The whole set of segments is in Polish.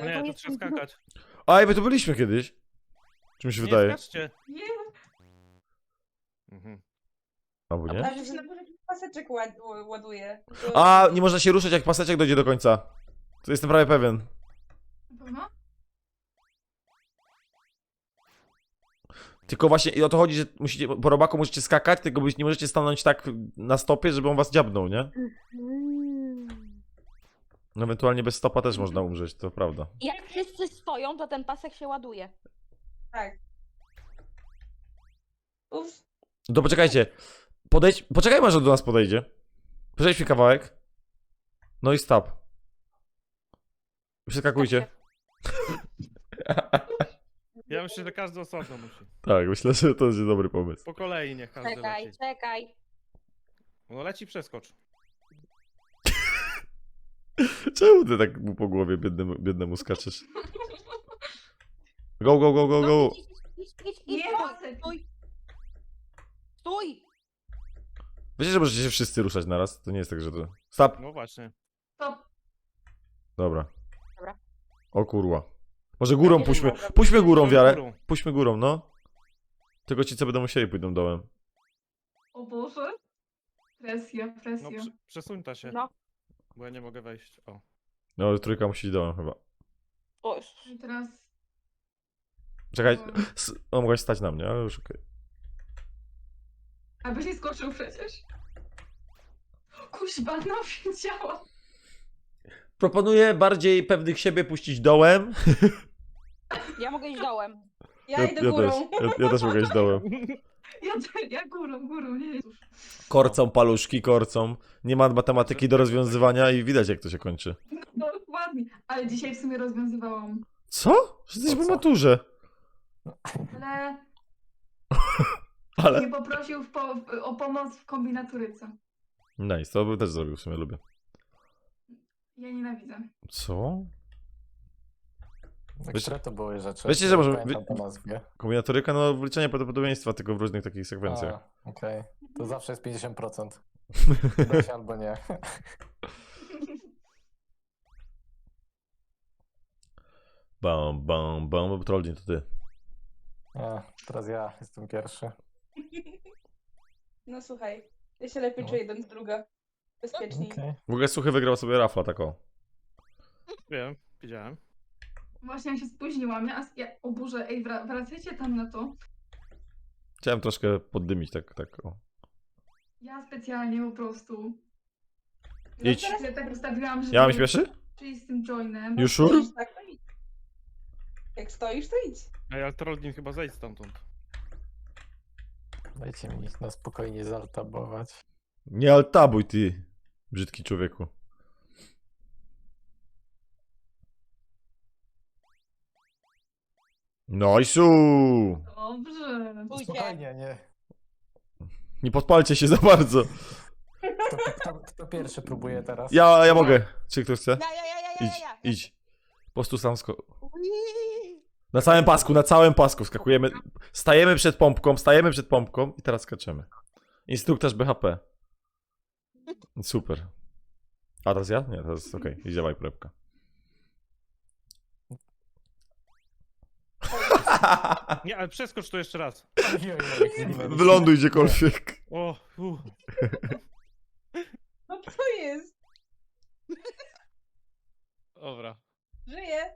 No nie, to trzeba skakać. A, my tu byliśmy kiedyś. Czy mi się Nie, wydaje? skaczcie. Nie, Mhm. Albo a nie? to się na górze jakiś paseczek ładuje. A, nie można się ruszać jak paseczek dojdzie do końca. To jestem prawie pewien. Na pewno? Tylko właśnie i o to chodzi, że musicie, po robaku możecie skakać, tylko nie możecie stanąć tak na stopie, żeby on was dziabnął, nie? No ewentualnie bez stopa też można umrzeć, to prawda. Jak wszyscy stoją, to ten pasek się ładuje. Tak. Uff. No to poczekajcie. Poczekajmy, aż do nas podejdzie. Przejdźmy kawałek. No i stop. Przeskakujcie. Ja myślę, że każdy osobno musi. Tak, myślę, że to jest dobry pomysł. Po kolei niech każdy Czekaj, leci. czekaj. No leci, przeskocz. Czemu ty tak mu po głowie biednemu skaczesz? Go, go, go, go, No, go. idź, Nie, stój, pasek. stój. Stój! Wiecie, że możecie się wszyscy ruszać naraz? To nie jest tak, że to... Stop. No właśnie. Stop. Dobra. Dobra. O kurwa. Może górą nie puśćmy. mogę. Puśćmy górą wiarę. Górą. Puśćmy górą, no. Tylko ci, co będą musieli, pójdą dołem. O Boże. Presja, No presja. przesuń ta się, No. bo ja nie mogę wejść. O. No, trójka musi iść dołem chyba. O, I teraz... Czekaj. O, mogłaś stać na mnie, ale już okej. Abyś nie skoczył przecież. Kuźba, no wiedziałam. Proponuję bardziej pewnych siebie puścić dołem. ja mogę iść dołem. Ja idę górą. Ja też mogę iść dołem. Ja górą, nie. Korcą paluszki, korcą. Nie ma matematyki do rozwiązywania i widać, jak to się kończy. No, dokładnie. Ale dzisiaj w sumie rozwiązywałam. Co? Że jesteś po maturze. Ale mnie poprosił o pomoc w kombinaturyce. Nice, to bym też zrobił, w sumie lubię. Ja nienawidzę. Co? Które to były rzeczy? Wiecie, że Nie możemy- pamiętam po nazwie. Kombinatoryka, no wliczenie prawdopodobieństwa, tylko w różnych takich sekwencjach. A, okej. To zawsze jest 50%. Da się albo nie. Bam, bam, bam, Trollin, to ty. Nie, teraz ja jestem pierwszy. No słuchaj, ja się lepiej No. czuję jeden z druga. Bezpieczniej. Okej. W ogóle Suchy wygrał sobie rafla taką. Wiem, widziałem. Właśnie ja się spóźniłam. O Boże, ej, wracajcie tam na to. Chciałem troszkę poddymić, tak o. Ja specjalnie po prostu. Idź. Teraz ja tak ustawiłam, że... Ja mam śpieszy? Czyli z tym joinem. You sure? Stoisz, tak, to idź. Jak stoisz, to idź. Ej, ale Trollin chyba zejdź stamtąd. Dajcie mi na spokojnie zaltabować. Nie altabuj, ty, brzydki człowieku. Noisu! Dobrze. Stójcie. Spokojnie, nie. Nie podpalcie się za bardzo. Kto pierwszy próbuje teraz? Ja mogę. Czy ktoś chce? Ja. Idź. Po prostu sam Na całym pasku skakujemy. Stajemy przed pompką i teraz skaczemy. Instruktaż BHP. Super. A teraz ja? Nie, teraz okej. Idź, dawaj, prepka. Nie, ale przeskocz to jeszcze raz. Wyląduj gdziekolwiek. O, No co jest? Dobra. Żyję.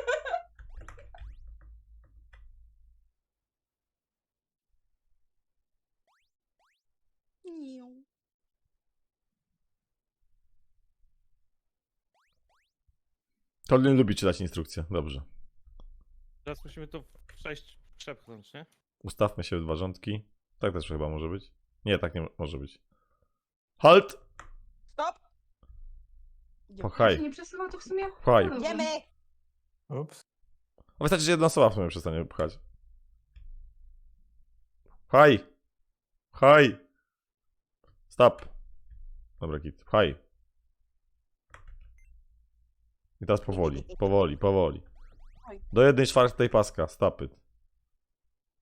To nie lubi czytać instrukcje. Dobrze. Teraz musimy to przejść, przepchnąć, nie? Ustawmy się w dwa rządki. Tak też chyba może być. Nie, tak nie może być. Halt! Stop! Ja się Pchaj, nie przesuwa to w sumie? pchaj. No dobrze. Idziemy! Ups. A wystarczy, że jedna osoba w sumie przestanie pchać. Pchaj! Pchaj! Stop. Dobra, git. Pchaj. I teraz powoli. Do 1/4 paska. Stop it.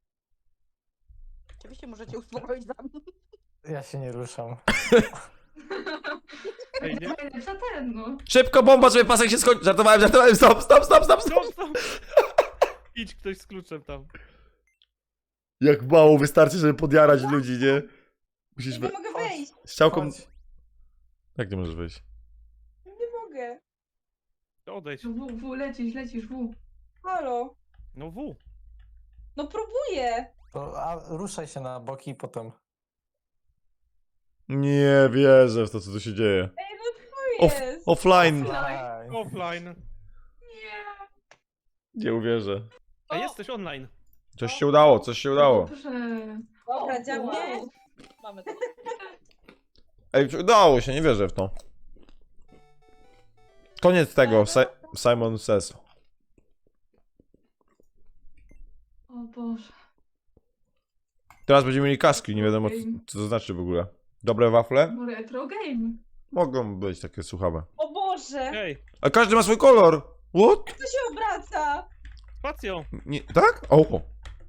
Oczywiście możecie uspokoić za mnie. Ja się nie ruszam. Ej, nie? Najlepsza ten, no. Szybko, bomba, żeby pasek się skończył. Żartowałem, stop. Stop, stop. Idź ktoś z kluczem tam. Jak mało wystarczy, żeby podjarać ludzi, nie? Musisz Nie mogę wejść. Strzałką... Chodź. Jak nie możesz wyjść? Nie mogę. Odejdź. W, lecisz, w. Halo. No W. No próbuję. A ruszaj się na boki i potem. Nie wierzę w to, co tu się dzieje. Ej, no co jest? Offline. Offline. Offline. Nie. Nie uwierzę. A jesteś online. Coś się udało. Dobrze. Dobra, działa. Wow. Mamy to. Ej, udało się, nie wierzę w to. Koniec tego, Simon Says. O Boże. Teraz będziemy mieli kaski, nie wiadomo co to znaczy w ogóle. Dobre wafle? Bo retro game. Mogą być takie słuchawe. O Boże. Ej, A każdy ma swój kolor! What? To się obraca. spacją. Nie, tak? O! Okej.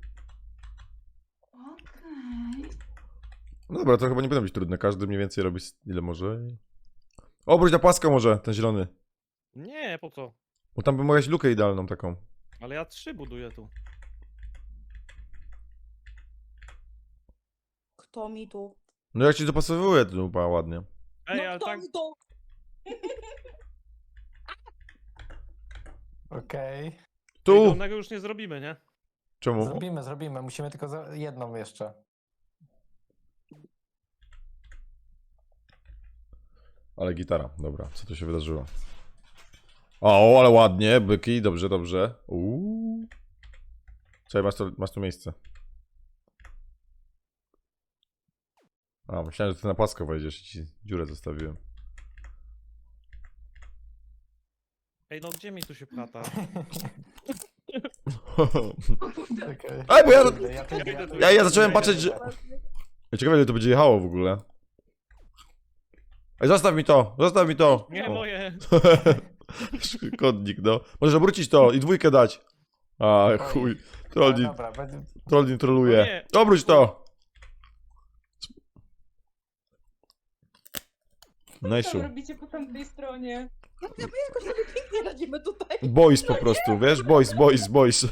No dobra, to chyba nie powinno być trudne. Każdy mniej więcej robi ile może. Obróć na płasko może, ten zielony. Nie, po co? Bo tam by mogłaś lukę idealną taką. Ale ja 3 buduję tu. Kto mi tu? No jak ci dopasowuje to chyba ładnie. Ej, No ale kto tak... mi tu? Okej. Ej, Tu! dolnego już nie zrobimy, nie? Czemu? Zrobimy. Musimy tylko jedną jeszcze. Ale gitara, dobra, co tu się wydarzyło? O, ale ładnie, byki, dobrze. Czekaj, masz tu miejsce. A, myślałem, że ty na płasko wejdziesz i ci dziurę zostawiłem. Ej, no gdzie mi tu się plata? O kurde. Okej. Ej, bo ja- ja zacząłem idę. patrzeć, że- Ciekawe, ile to będzie jechało w ogóle. Ej, zostaw mi to! Nie, O. moje. Kodnik, no. Możesz obrócić to i dwójkę dać. A, chuj. Trollnik, Dobra, będzie... trollnik No troluje. nie. Obróć to! Co Najsu. tam robicie po tamtej stronie? Ja my jakoś sobie pięknie radzimy tutaj. Boys po prostu, wiesz? Boys.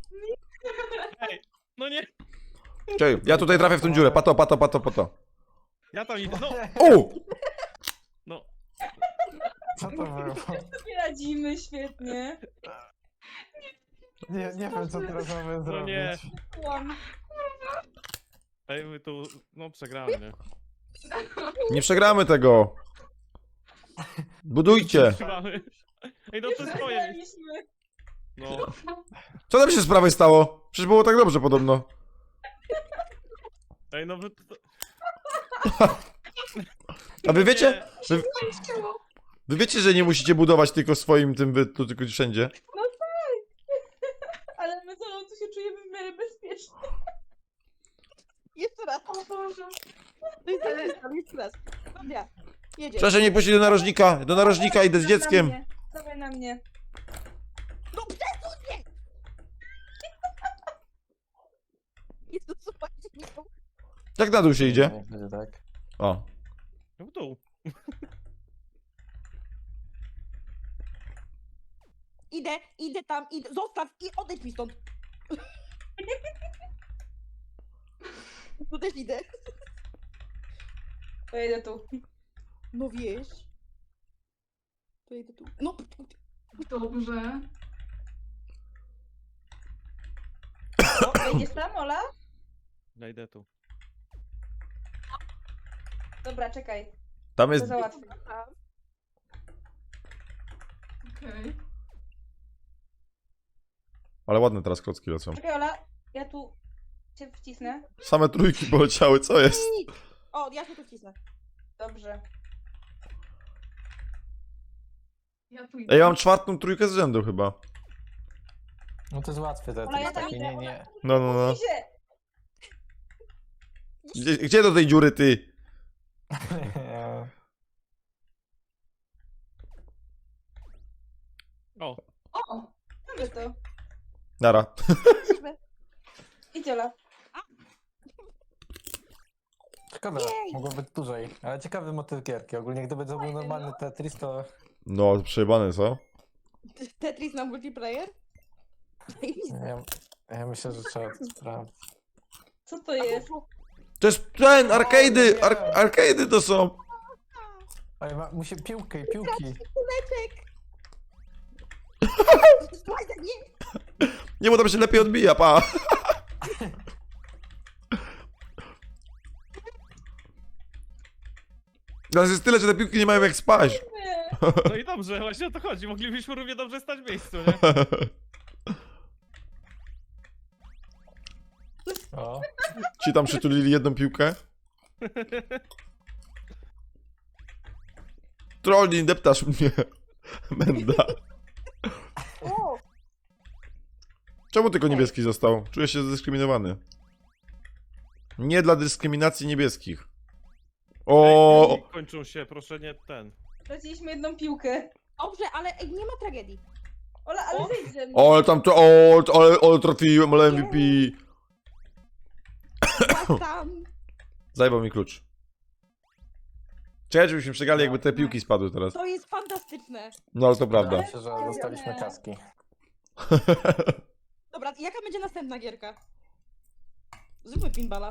No nie. Czekaj, ja tutaj trafię w tą dziurę. Pato. Ja tam idę. No. O! No. Co to było? Sobie radzimy świetnie. Nie wiem, co teraz mamy No nie. zrobić. Łam. Ej, my tu... No przegramy, nie? Nie przegramy tego. Budujcie. Przegramy. Ej, no to jest twoje. Przegraliśmy. No. Co tam się z prawej stało? Przecież było tak dobrze podobno. Ej, no wy... A wy wiecie? Nie. Wy wiecie, że nie musicie budować tylko swoim tym, wy tu tylko wszędzie. No tak. Ale my co, tu się czujemy w miarę bezpiecznie. Jeszcze raz. O Boże. Jeszcze raz. Dobra. Jedziesz. Proszę nie puścić do narożnika. Do narożnika idę z dzieckiem. Dawaj na mnie. No przesuń mnie! Jezu, słuchajcie, nie są... Jak na dół się idzie? Niech będzie tak. O. No w dół. Idę tam, zostaw i odejdź mi stąd. Tu też idę. To jedę tu. No wiesz. To jedę tu. No. Dobrze. O, jedziesz tam, Ola? Ja idę tu. Dobra, czekaj. Tam To jest... załatwię. Okej. Ale ładne teraz klocki lecą. Czekaj, Ola. Ja tu cię wcisnę. Same trójki poleciały, co jest? O, ja się tu wcisnę. Dobrze. Ja tu idę. Ej, ja mam czwartą trójkę z rzędu chyba. No to jest łatwe te Ola, ja tam takie, idę. nie. No. Idzie. Gdzie do tej dziury, ty? O. O! Mamy to. Nara. Idź, Ola. szkoda, mogło być dłużej. Ale ciekawy motyw gierki. Ogólnie gdyby to był normalny Tetris, to... No, przejebane, co? Tetris na multiplayer? Ja myślę, że trzeba to sprawdzić. Co to jest? To jest ten, arcade'y! nie. Arcade'y to są! Oj, musi piłki. Kuleczek! Słuchaj, nie! Nie, bo tam się lepiej odbija, pa! Teraz jest tyle, że te piłki nie mają jak spaść. No i dobrze, właśnie o to chodzi. Moglibyśmy równie dobrze stać w miejscu, nie? O, Ci tam przytulili jedną piłkę. Trolli, deptasz mnie. Menda. O! Czemu tylko niebieski został? Czuję się zdyskryminowany. Nie dla dyskryminacji niebieskich. O! Kończą się, proszę nie ten. Straciliśmy jedną piłkę. Dobrze, ale ej, nie ma tragedii. Ola, ale wyjdź ze mnie. O, ale tam to. Ale trafiłem, ale MVP. Byłaś tam. Zajebał mi klucz. Czekaj, żebyśmy przegrali, jakby te piłki spadły teraz. To jest fantastyczne. No ale to prawda. myślę, że dostaliśmy kaski. Dobra, jaka będzie następna gierka? Zróbmy pinballa.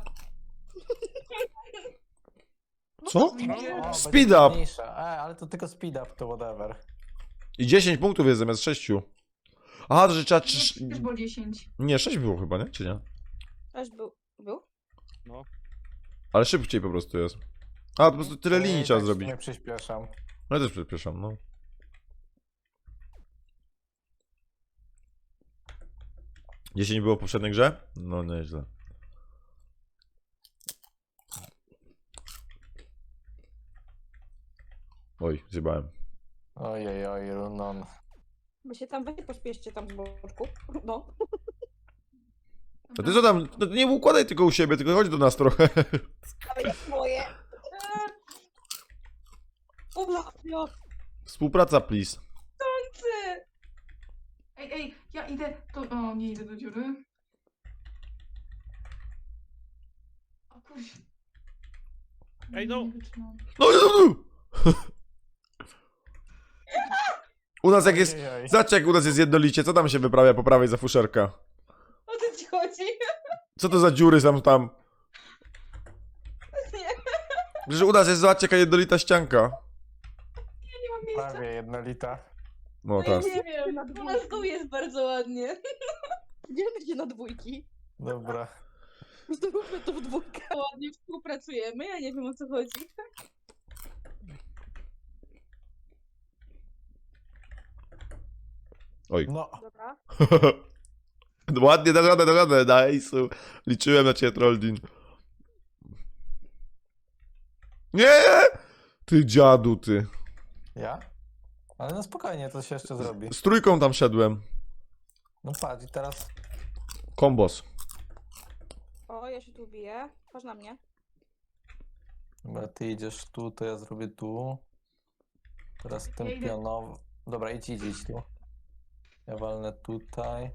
Co? O, Speed będzie up. trudniejsza. Ale to tylko speed up, to whatever. I 10 punktów jest zamiast 6. Aha, to że trzeba. Też było 10. Nie, 6 było chyba, nie? Czy nie? Też był? Ale szybciej po prostu jest. A, to po prostu tyle linii trzeba zrobić. Nie przyspieszam. No ja też przepraszam, no. Dziesięć było w poprzedniej grze? No nieźle. Oj, zjebałem. Ojej, Runon. Wy się tam pospieszcie tam z boczku. No. A ty co tam? No, nie układaj tylko u siebie, tylko chodź do nas trochę. Ale jest moje. O, Współpraca, please. Ej, ja idę do... O, nie idę do dziury. O kurczę. Ej, no. Nie wytrzymam. No, U nas jak jest... Ojej. Zobacz jak u nas jest jednolicie, co tam się wyprawia po prawej za fuszerka? O co ci chodzi? Co to za dziury są tam? Nie, Przecież u nas jest, zobaczcie jaka jednolita ścianka. ja nie mam miejsca. Prawie jednolita. No Ja teraz. nie wiem, u nas tu jest bardzo ładnie. Nie będzie na dwójki. Dobra. Zróbmy to w dwójkę. Ładnie współpracujemy, ja nie wiem o co chodzi. Oj. No. Dobra. Ładnie, da radę, nice. Liczyłem na ciebie, Trolldin. Nie! Ty dziadu, ty. Ja? Ale no spokojnie, to się jeszcze zrobi. Z trójką tam szedłem. No patrz, i teraz... Kombos. O, ja się tu biję. Patrz na mnie. Dobra, ty idziesz tu, to ja zrobię tu. Teraz tym Ja idę. pionowo... Dobra, idź tu. Ja walnę tutaj.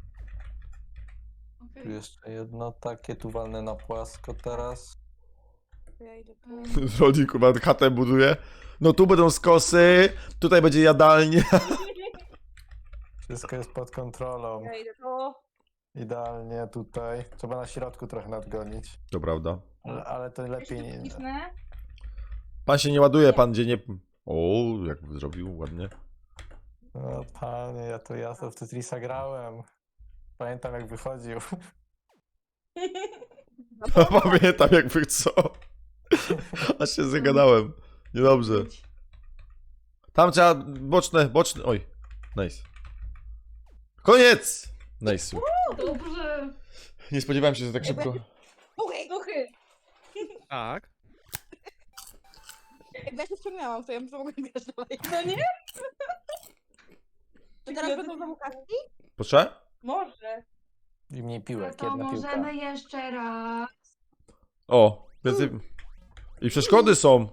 Tu Okej. jeszcze jedno takie, tu walnę na płasko teraz. Ja idę tu. Trolldin chyba chatę buduje. No tu będą skosy, tutaj będzie jadalnia. Wszystko jest pod kontrolą. Ja idę tu. Idealnie tutaj. Trzeba na środku trochę nadgonić. To prawda. Ale to lepiej Jeszcze nie... wcisnę. Pan się nie ładuje, pan gdzie nie... O, jak zrobił ładnie. No panie, ja to w Tetrisa grałem. Pamiętam jak wychodził. Pamiętam jakby co. Aż się zagadałem. Niedobrze. Tam trzeba boczne. Oj. Nice. Koniec! Nice. Dobrze. Nie spodziewałem się, że tak szybko. Słuchaj, Duchy. Tak. jakby ja się wciągnęłam, to ja bym mogła grać dalej. No nie? Czy teraz będą znowu kaski? Proszę? Może. I mniej No piłek, to jedna piłka. możemy jeszcze raz. O, więcej... I przeszkody są.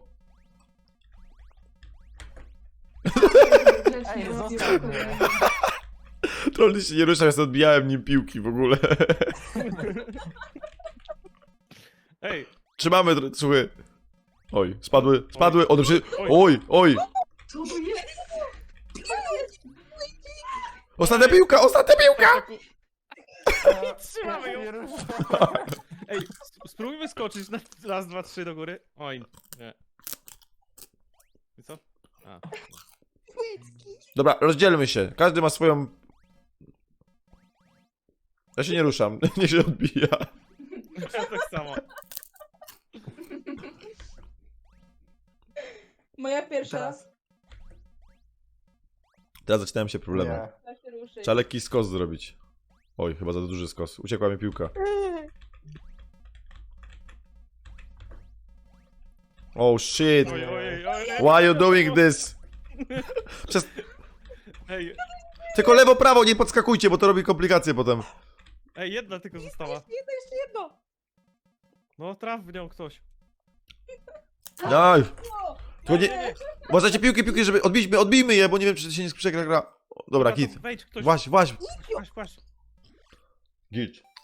Grzecznie Ej, robię zostaw spokojnie. mnie. Trolli się nie ruszał, ja sobie odbijałem nim piłki w ogóle. Ej, Trzymamy, słuchaj. Oj, spadły, one przy... Oj. Co to jest? Ostatnia piłka! Trzymamy ją. Nie ruszaj. Ej, spróbujmy skoczyć na raz, dwa, trzy do góry. Oj, nie. I co? A. Dobra, rozdzielmy się. Każdy ma swoją... Ja się nie ruszam, niech się odbija. Ja tak samo. Moja pierwsza. Teraz. Teraz zaczynają się problemy. Nie. Da się ruszyć. Trzeba lekki skos zrobić. Oj, chyba za duży skos. Uciekła mi piłka. Oh shit. Oj. Why you doing this? Ej, Tylko lewo, prawo, nie podskakujcie, bo to robi komplikacje potem. ej, jedna tylko została. Jeszcze jedno. No, traf w nią ktoś. Daj. No. To nie... Uważajcie piłki, żeby odbijmy je, bo nie wiem, czy się nie przegra gra. O, dobra, to git. Wejdź ktoś. Właśnie. Właśnie. Git.